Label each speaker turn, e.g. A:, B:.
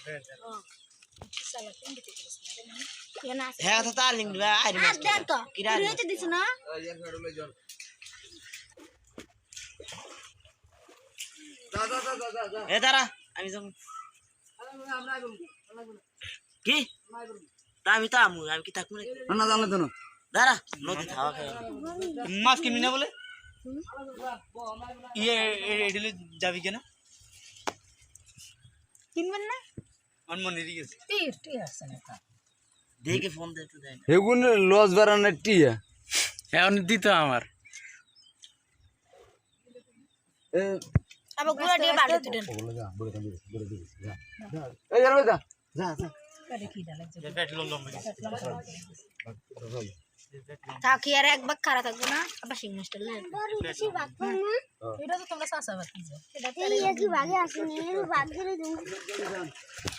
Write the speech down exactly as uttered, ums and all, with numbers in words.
A: হ্যাঁ তো তালিম দিবা আইরি মাছ তো কিরা রইতে দিছ না যা যা যা যা যা এ দাঁড়া আমি যাব কি তা আমি তো আমু আমি কি থাকবো না জানলে তো না দাঁড়া নদী খাওয়া খাওয়া মাছ কিনবি না বলে ইয়ে এডিলে যাবি কেন কিনবেন না আমার মনে রেগে গেছে টির টির আছে না দেখে ফোন দে তো দেন
B: হেগুন লস বারানে টিয়া
C: এখন দিত আমার
B: এ
A: আবার গুড়া দিয়ে বাড়ি তুলেন
B: ওগুলো যা বড় কাম দিস বড় দিস যা এই যাবে যা যা যা
A: কারে কি ডালে
C: যে পেট্রোল লম্বা
A: থাকি আর এক ভাগ খারাপ থাকবে না আবার সিং মাস্টার লে এটা তো তোমরা সাসা বাকি যে এটা তো এই কি ভাগে আসেনি ভাগ করে দিন